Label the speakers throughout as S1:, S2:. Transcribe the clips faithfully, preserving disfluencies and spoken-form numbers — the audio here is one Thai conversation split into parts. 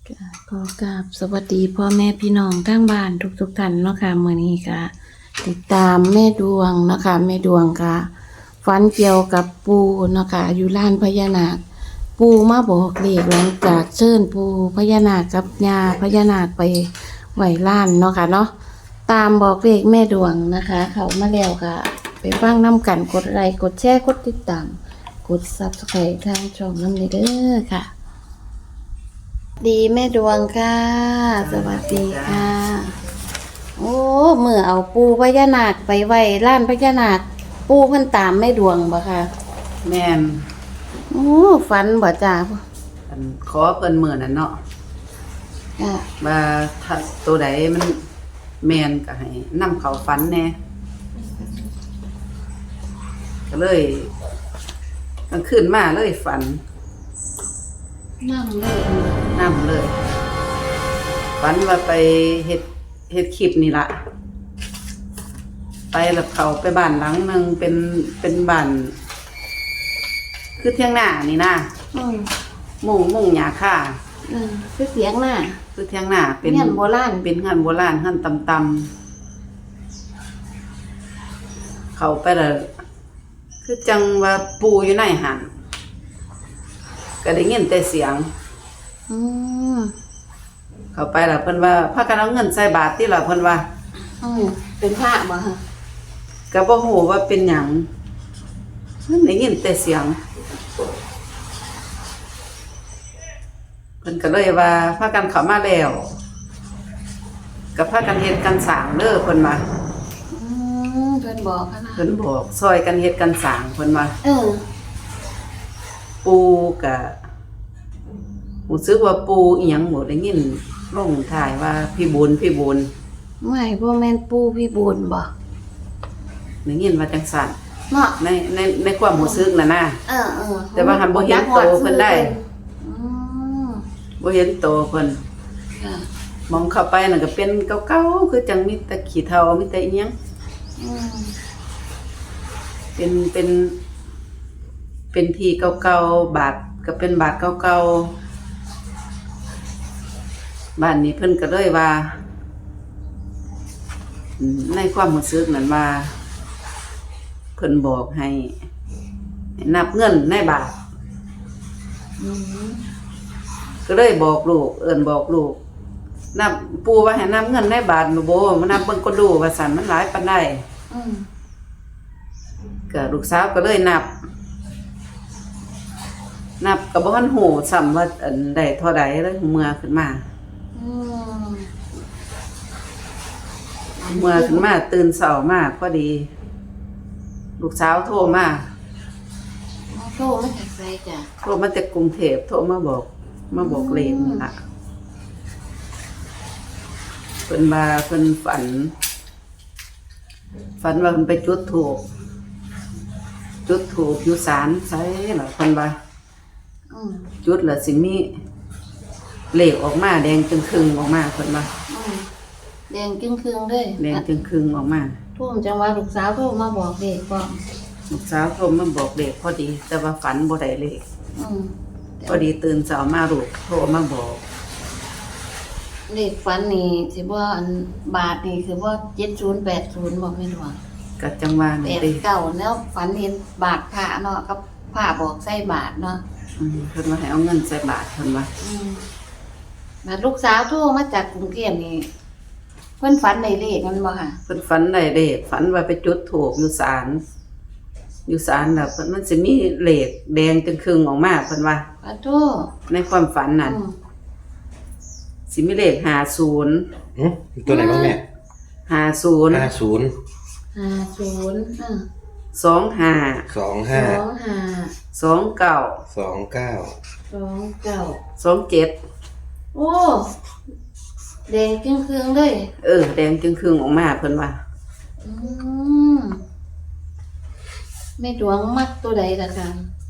S1: ค่ะขอกราบสวัสดีพ่อแม่พี่น้องทั้งบ้านทุกๆท่านเนาะค่ะมื้อนี้ก็ติดตามแม่ดวงเนาะค่ะแม่ดวงก็ฝันเกี่ยวกับปู่เนาะค่ะอยู่ลานพญานาคปู่มาบอกเลขหลังจากเชิญปู่พญานาคกับย่าพญานาคไปไหว้ลานเนาะค่ะเนาะตามบอกเลขแม่ดวงนะคะ เข้ามาแล้วก็ไปฟังนำกันกดไลค์กดแชร์กดติดตามกด Subscribe ทางช่องนำเด้อค่ะ ดีแม่ดวงค่ะ สวัสดีค่ะ โอ้เมื่อเอาปูพญานาคไปไว้ล้านพญานาคปูเพิ่นตามแม่ดวงบ่ค่ะ
S2: แม่น
S1: โอ้ฝันบ่จ้า
S2: อันขอเพิ่นมื้อนั้นเนาะ
S1: ค่ะ
S2: ว่าถ้าตัวใดมันแม่นก็ให้นำเข้าฝันแหน่ก็เลยกลางคืนมาเลยฝัน
S1: นั่งเลย
S2: นำเลย ฝันว่าไปเฮ็ดเฮ็ดคลิปนี่ล่ะ ไปแล้วเข้าไปบ้านหลังหนึงเป็นเป็นบ้านคือเที่ยงหน้านี่นะ
S1: อืม
S2: มุงมุงหญ้าค่า
S1: อืมคือเสียงน่ะ
S2: คือเที่ยงหน้าเป็น
S1: เฮียนโบราณ
S2: เป็นงานโบราณหันตำๆเข้าไปแล้วคือจังว่าปูอยู่ในหันก็ได้ยินแต่เสียง
S1: อืม
S2: เข้าไปแล้วเพิ่นว่าพากันเอาเงินใส่บาตรติล่ะเพิ่นว่า
S1: อืมเป็นพระบ่ฮะ
S2: ก็บ่ฮู้ว่าเป็นหยังมันได้ยินแต่เสียงเพิ่นก็เลยว่าพากันเข้ามาแล้วก็พากันเฮ็ดกันสร้างเด้อเพิ่นว่า
S1: อืมเพิ่นบอกค่ะนะ
S2: เพิ่นบอกซอยกันเฮ็ดกันสร้างเพิ่นว่า
S1: เออ
S2: ปูก็รู้สึกว่าปูอีหยังบ่ได้ยินลงท้ายว่าพี่บุญพี่บุญ
S1: ไม่บ่แม่นปู่พี่บุญบ่
S2: ได้ยินว่าจังซั่น
S1: เนาะ
S2: ในในในความรู้สึกน่ะนะ
S1: เออเออ
S2: แต่ว่าหันบ่เห็นโตเพิ่นได้
S1: อืม
S2: บ่เห็นโตเพิ่น
S1: ค่ะ
S2: มองเข้าไปน่ะก็เป็นเก่าๆคือจังมีแต่ขี้เถ้ามีแต่อีหยัง
S1: อืม
S2: เป็นเป็น เป็นที่เก่าๆบาทก็เป็นบาทเก่าๆบ้านนี้เพิ่นก็เลยว่าอืมในความรู้สึกนั้นว่าเพิ่นบอกให้ให้นับเงินในบาท
S1: อืม
S2: ก็เลยบอกลูกเอิ้นบอกลูกนับปู่ว่าให้นับเงินในบาทบ่บ่มานับเบิ่งก็ดูว่าสั่นมันหลายปานใด
S1: อืม
S2: ก็ลูกสาวก็เลยนับ นับก็บ่ทันฮู้ซ้ำว่าอันใดเท่าใดเลยเมื่อขึ้นมา
S1: อืม
S2: เมื่อขึ้นมาตื่นเช้ามาพอดี ลูกสาวโทรมา
S1: โทรมาจากไสจ้ะ
S2: โทรมาจากกรุงเทพโทรมาบอก มาบอกเลขนั่นล่ะเพิ่นว่าเพิ่นฝัน ฝันว่าเพิ่นไปจุดธูปจุดธูปอยู่ศาลไสล่ะเพิ่นว่า
S1: อืม
S2: จุดแล้วสิมีเลขออกมาแดงจึงครึ่งออกมาเพิ่นว่า
S1: อืมแดงจึงครึ่งเลย
S2: แดงจึงครึ่งออกมา
S1: ทุ่มจังว่าลูกสาวโทรมาบอกเด็กพร้อม
S2: ลูกสาวโทรมาบอกเลขพอดี แต่ว่าฝันบ่ได้เลข
S1: อืม
S2: พอดีตื่นเช้ามาลูกโทรมาบอก
S1: เด็กฝันนี่สิบ่อันบาทนี่คือว่าเจ็ดศูนย์แปดศูนย์บอกไม่รู้
S2: ก็จังว่า
S1: แป
S2: นี่
S1: ด
S2: ติ
S1: เก้าแล้วฝันเห็นบาทพระเนาะกับพระบอกใส่บาทเนาะ
S2: อืมเพิ่นว่าให้เอาเงินใส่บาทเพิ่นว่า
S1: อืมมาลูกสาวโทรมาจากกรุงเทพนี่เพิ่นฝันได้เลขมันบ่ค่ะ
S2: เพิ่นฝันได้เลขฝันว่าไปจุดธูปอยู่ศาลอยู่ศาลน่ะเพิ่นมันสิมีเลขแดงจึงครึ่งออกมาเพิ่นว่า
S1: ปะโท
S2: ในความฝันน่ะ
S1: อืม
S2: สิมีเลขห้าสิบ
S3: อืมตัวไหนบ้างแม่
S2: ห้าสิบ
S3: ห้าศูนย์
S1: ห้าศูนย์อ่า
S2: สองห้า
S3: สอง
S1: ส
S3: ห้า
S1: องห้า
S2: สองเก้า
S3: สองเก้า
S1: สองเก้า
S2: สองเจ็ด
S1: โอ้แดงเครื่องเครื่องๆเลย
S2: เออแดงจึงครึ่งออกมาเพิ่นว่า
S1: อืมแม่ดวงมักตัวใดล่ะคะ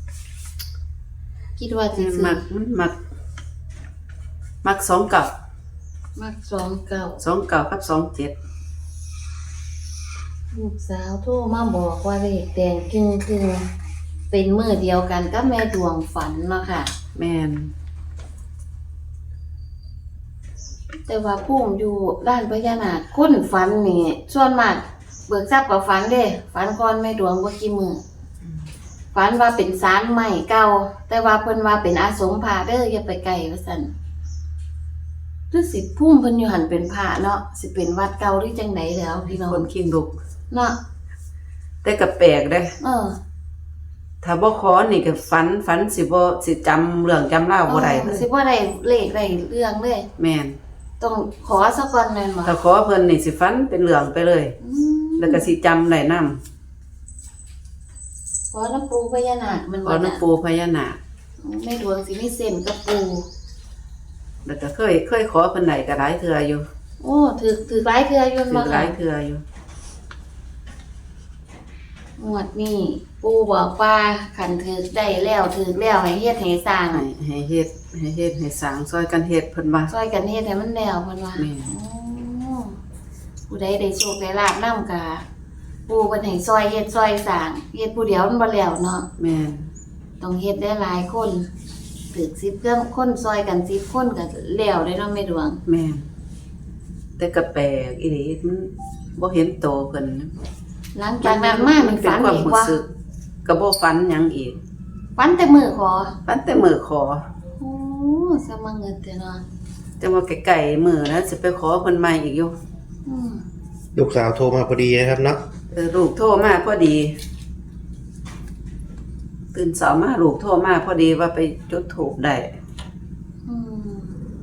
S1: คิดว่าสิซื้อ
S2: มักมันมัก มักสองเก้า
S1: มักสองเก้า
S2: สองเก้ากับสองเจ็ด
S1: ลูกสาวโทรมาบอกว่าเลขแดงครึ่งครึ่งๆเป็นมือเดียวกันกับแม่ดวงฝันเนาะค่ะ
S2: แม่น
S1: แต่ว่าพุ่มอยู่ด้านพญานาคคนฝันนี่ส่วนมากเบิกทรัพย์กับฝันเด้ฝันก่อนแม่ดวงบ่กี่มื้อฝันว่าเป็นศาลใหม่เก่าแต่ว่าเพิ่นว่าเป็นอาสมพระเด้ออย่าไปไกลว่าซั่นคือสิพุ่มเพิ่นอยู่หันเป็นพระเนาะสิเป็นวัดเก่าหรือจังไดแล้วพี่น้อง
S2: คนขิงลุก
S1: เนาะ
S2: แต่ก็แปลกเด้
S1: เออ
S2: ถ้าบ่ขอนี่ก็ฝันฝันสิบ่สิจำเรื่องจำราวบ่ได้เล
S1: เออย สิบ่ได้เลขได้เรื่องเลย
S2: แม่น
S1: ต้องขอซะก่อนแม่นบ่
S2: ถ้าขอเพิ่นนี่สิฝันเป็นเรื่องไปเลย
S1: อืม
S2: แล้วก็สิจำได้นำ
S1: ขอน้ำปูพญานาคมัน
S2: ข
S1: บ่
S2: อ
S1: น่ะ
S2: น้ำปูพญานาค
S1: แม่ดวงสิมีเส้นกับปู
S2: แล้วก็เคยเคยขอเพิ่นได้ก็หลายเทื่ออยู่
S1: โอ้ถือถือหลายเทื่ออยู่
S2: ถื
S1: บ่
S2: อห
S1: ค่ะ
S2: ลายเทื่ออยู่
S1: งวดนี้ปูบอกว่าคันถือได้แล้วถือแล้วให้เฮ็ดให้สร้าง
S2: ให้ให้เฮ็ดให้เฮ็ดให้สร้างซอยกันเฮ็ดเพิ่นว่า
S1: ช่วยกันเฮ็ดให้มันแล้วเพิ่นว่า
S2: แม่
S1: โอ้ผู้ใดได้โชคได้ลาภนำกะปูเพิ่นให้ซอยเฮ็ดซอยสร้างเฮ็ดผู้เดียวมันบ่แล้วเนาะ
S2: แม่น
S1: ต้องเฮ็ดได้หลายคนถึกสิบเครื่องคนซอยกันสิบคนก็แล้วได้เนาะแม่ดวง
S2: แม่นแต่ก็แปลกอีหลีมันบ่เห็นโตเพิ่น
S1: หลังจากนั้นมามัน
S2: เป็น
S1: ฝัน
S2: ความ
S1: อีก
S2: รู้
S1: ว่า
S2: สึกก็บ่ฝันหยังอีก
S1: ฝันแต่มื้อขอ
S2: ฝันแต่มื้อขอ
S1: โอ้สมาเงินแต่เนาะ
S2: จังว่าไกลๆมื้อนะสิไปขอเพิ่นใหม่อีกอยู่
S1: อืม
S3: ลูกสาวโทรมาพอดีนะครับเนาะ
S2: เออลูกโทรมาพอดี ตื่นเช้ามาลูกโทรมาพอดีว่าไปจุดธูปได้
S1: อืม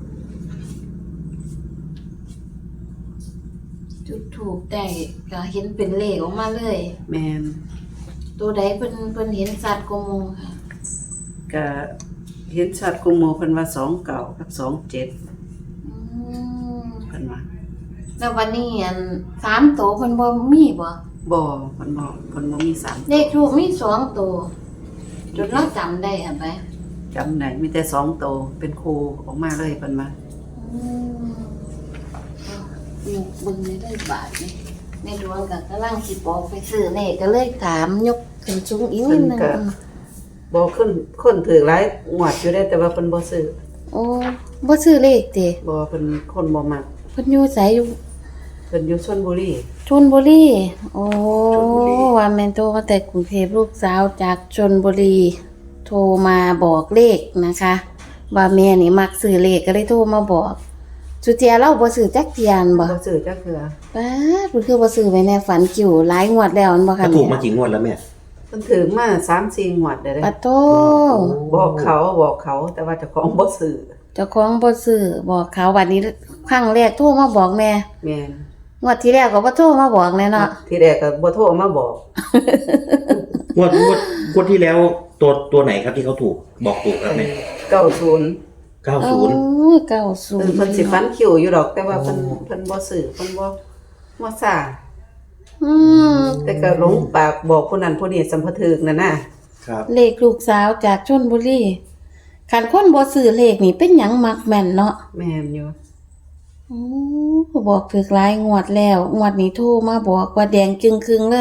S1: จุดถูกได้ก็เห็นเป็นเลขออกมาเลย
S2: แม่น
S1: ตัวใดเพิ่นเพิ่นเห็นสัตว์กว่าหมู่ค่ะ
S2: ก็เห็นชัดกุมโมเพิ่นว่าสองเก้ากับสองเจ็ด
S1: อืม
S2: เพิ่นว่า
S1: แล้ววันนี้อันสามตัวเพิ่นบ่มีบ่
S2: บ่เพิ่นบ่เพิ่นบ่มีสาม
S1: เลขทูปมีสองตัวจนเราจำได้หั่นไป
S2: จำได้มีแต่สองโตวเป็นครูออกมาเลยเพิ่นว่า
S1: อืมเอายกเบิ่งได้ได้บาทนี่แม่ดวงก็กำลังสิบอกไปซื้อเลขก็เลยถามยกขึ้นสูงอีกนิดนึงอืม
S2: บ่ขึ้นคนถือหลายงวดอยู่ได้แต่ว่าเพิ่นบ่ซื้อ
S1: โอ้บ่ซื้อเลขติ
S2: บ่เพิ่นคนบ่มัก
S1: เพิ่นอยู่ไสอยู่
S2: เพิ่นอยู่ชลบุรี
S1: ชลบุรีโอ้
S2: ชลบุรี
S1: ว่าแม่นโทรมาแต่กรุงเทพลูกสาวจากชลบุรี โทรมาบอกเลขนะคะ ว่าแม่นี่มักซื้อเลขก็เลยโทรมาบอกสุเจียเราบ่ซื้อจักเทียนบ่
S2: บ่ซื้อจักเทื่อ
S1: ป้าดเพิ่นคือบ่ซื้อไว้ในฝันกิ่วหลายงวดแล้วอันบ่
S3: ก็
S1: คะ
S3: ถูกมากี่งวดแล้วแม่
S2: เพิ่นถือมา สามสี่ งวดได้เด้
S1: ปะโต
S2: บอกเขาบอกเขาแต่ว่าเจ้าของบ่ซื้อ
S1: เจ้าของบ่ซื้อบอกเขาวันนี้ครั้งแรกโทรมาบอกแม่
S2: แม่น
S1: งวดที่แล้วก็บ่โทรมาบอกแน่เนาะ
S2: ทีแรกก็บ่โทรมาบอก
S3: งวดงวดงวดที่แล้วตัวตัวไหนครับที่เขาถูกบอกถูกครับแม่
S2: เก้าศูนย์
S3: เก้า
S1: โอ้
S3: ศูนย์
S1: ยเก้าศู
S2: เอน อ
S1: ย์
S2: เพิ่นสิฟันคิวอยู่ดอก แต่ว่าเพิ่น
S3: โอ้
S2: เพิ่นบ่ซื้อเพิ่นบ่บ่ซ่า
S1: อืม
S2: แต่ก็หลงปากบอกผู้นั้นผู้นี้สัมภถึกนั่นน่ะ
S3: ครับ
S1: เลขลูกสาวจากชลบุรีคันคนบ่ซื้อเลขนี่เป็นหยังมักแม่นเนาะ
S2: แม่นอยู่
S1: โอ้บอกถึกหลายงวดแล้ว งวดนี้โทรมาบอกว่าแดงจึงครึ่งเลย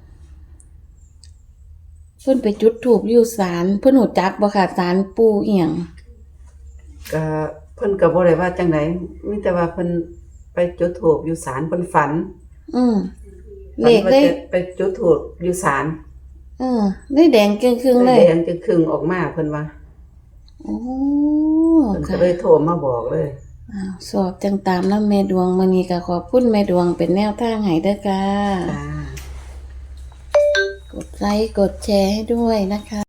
S1: เพิ่นไปจุดธูปอยู่ศาลเพิ่นรู้จักบ่ค่ะศาลปู่อีหยัง
S2: ก็เพิ่นก็บ่ได้ว่าจังไดมีแต่ว่าเพิ่นไปจุดธูปอยู่ศาลเพิ่นฝัน
S1: อืมเล
S2: ฝัน
S1: ข
S2: ว่า
S1: ได้
S2: จะไปจุดธูปอยู่ศาล
S1: เออได้แดงจึงครึ่งเลย
S2: แดงจึงครึ่งออกมาเพิ่นว่า
S1: โอ้
S2: เพิ่นก็
S1: ค่ะ
S2: เลยโทรมาบอกเลย
S1: อ้าวสอบจังตามนำแม่ดวงมื้อนี้ก็ขอบคุณแม่ดวงเป็นแนวทางให้เด้อค่ะ
S2: จ้า
S1: กดไลค์กดแชร์ให้ด้วยนะคะ